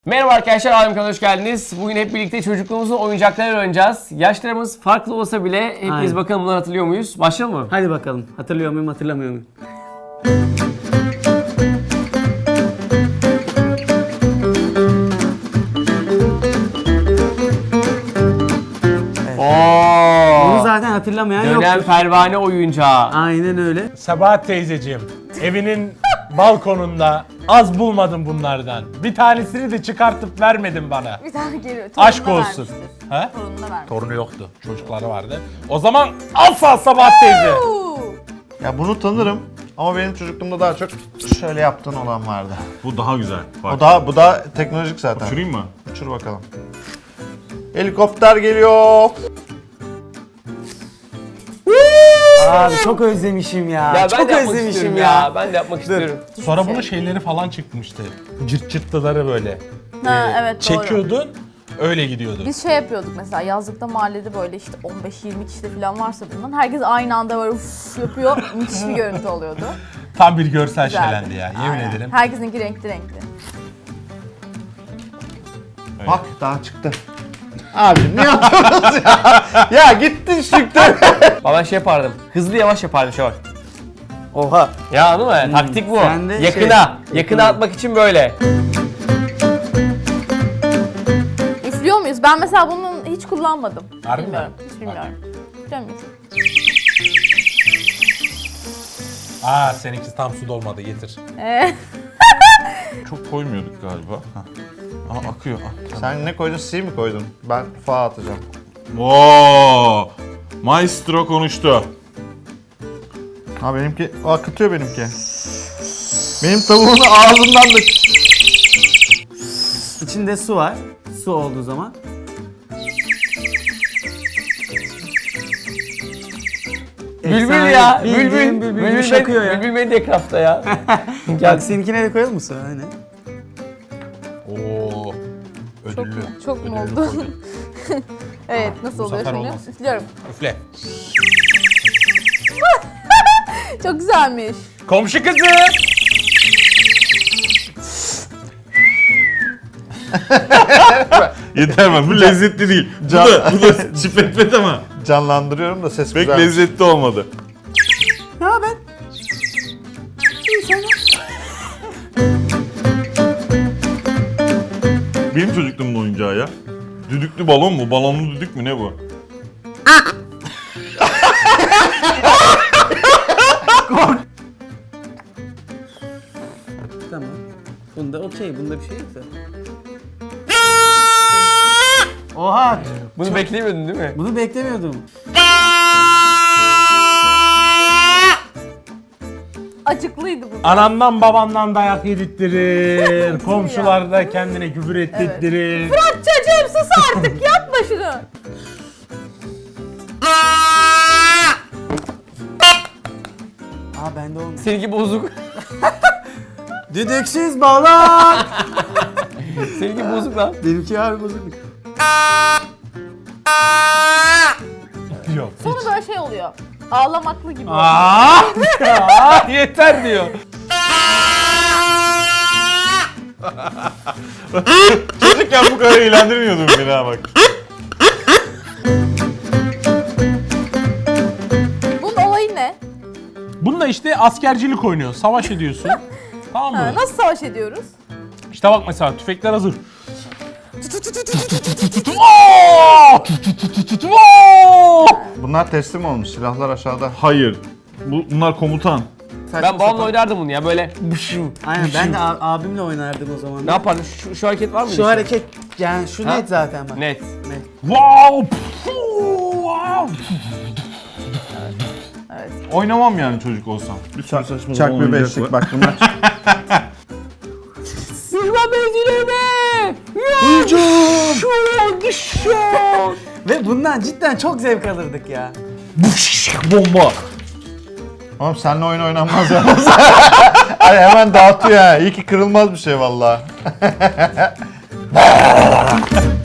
Merhaba arkadaşlar, Alem kanalına hoş geldiniz. Bugün hep birlikte çocukluğumuzun oyuncaklarını oynayacağız. Yaşlarımız farklı olsa bile hepimiz Aynen. bakalım bunları hatırlıyor muyuz? Başlayalım mı? Hadi bakalım. Hatırlıyor muyum, hatırlamıyor muyum? Bunu Oo! zaten hatırlamayan Dönem yoktur. pervane oyuncağı. Aynen öyle. Sabahat teyzeciğim, evinin balkonunda az bulmadım bunlardan. Bir tanesini de çıkartıp vermedin bana. Bir tane geliyor. Torununa Aşk olsun. vermiştir. He? Torununa vermiş. Torunu yoktu, çocukları vardı. O zaman asla Sabahat teyze. Ya bunu tanırım ama benim çocukluğumda daha çok şöyle yaptığın olan vardı. Bu daha güzel. Bak. Bu da teknolojik zaten. Uçurayım mı? Uçur bakalım. Helikopter geliyor. Abi çok özlemişim ya. Ya ben çok de yapmak özlemişim istiyorum ya. Ben de yapmak istiyorum. Sonra bunun şeyleri falan çıkmıştı. Cırt cırtlıları böyle. Ha, evet doğru. Çekiyordun, öyle gidiyordun. Biz şey yapıyorduk mesela yazlıkta mahallede böyle işte 15-20 kişi de falan varsa bundan herkes aynı anda böyle uf yapıyor. Müthiş bir görüntü oluyordu. Tam bir görsel Güzeldi. şölendi ya, yemin Aynen. ederim. Herkesinki renkli renkli. Bak daha çıktı. Abi ne yapıyorsunuz ya? Ya gittin çıktı. Ben şey yapardım, hızlı yavaş yapardım şu bak. Oha. Ya anladın mı? Taktik bu. sen de Yakına atmak için böyle. Üflüyor muyuz? Ben mesela bunun hiç kullanmadım. Harbi mi? Bilmiyorum. Hiç bilmiyorum. Biliyor muyuz? Aa, seninki tam su dolmadı, getir. Çok koymuyorduk galiba. Hah. Aa, akıyor. Sen ne koydun? C mi koydun? Ben fa atacağım. Oo! Maestro konuştu. Ha benimki akıtıyor benimki. Benim tavuğumun ağzından da... İçinde su var. Su olduğu zaman. Bülbül Efsane, ya, bildiğin bülbül. bülbül şakıyor ya. Bülbül beni de ekrafta ya. Bak seninkine de koyalım mı su? Hani? Oo. Çok Ödüllü. mu? Çok mu Ödüllü oldu? koydum. Evet, nasıl Bu oluyor sefer şimdi? olmaz. Üflüyorum. Üfle. Çok güzelmiş. Komşu kızı! Yeter bak, bu lezzetli değil. Bu da çipetpet ama Canlandırıyorum da ses pek güzel. lezzetli olmadı. Ne haber? İyi sen. Benim çocukluğumun oyuncağı ya. Düdüklü balon mu? Balonlu düdük mü ne bu? Tamam. Bunda okey. Bunda bir şey yok da. Oha! Bunu beklemiyordun değil mi? Bunu beklemiyordum. Acıklıydı bu. Anandan babandan dayak yedirttirir. Komşular da kendine küfür ettirttirir. Bırak çocuğum sus artık yapma şunu. Aa bende olmuş. Seninki bozuk. Düdüksüz balon! Seninki bozuk lan. Benimki harbi bozuk. Yok. Sonra böyle şey oluyor. Ağlamaklı gibi. Aa, yeter diyor. Çocukken bu kadar eğlendirmiyordum beni ha bak. Bunun olayı ne? Bununla işte askercilik oynuyor. Savaş ediyorsun. Tamam Ha, mı? nasıl savaş ediyoruz? İşte bak mesela tüfekler hazır. Bunlar teslim olmuş. Silahlar aşağıda. Hayır. Bunlar komutan. Ben babamla oynardım bunu ya böyle. Aynen ben de abimle oynardım o zaman. Ne yapardın? Şu hareket var mı? Şu hareket yani şu Ha? net zaten bak. Net. Wow! Wow! Oynamam yani çocuk olsam. Bir sürü saçma Çak sapan bir oyuncak beşlik var. bak bunlar. Düşman mevzilerine! Hücum! Ve bundan cidden çok zevk alırdık ya. Bomba! Oğlum seninle oyun oynanmaz yalnız. Ay hemen dağıtıyor ha. İyi ki kırılmaz bir şey vallahi.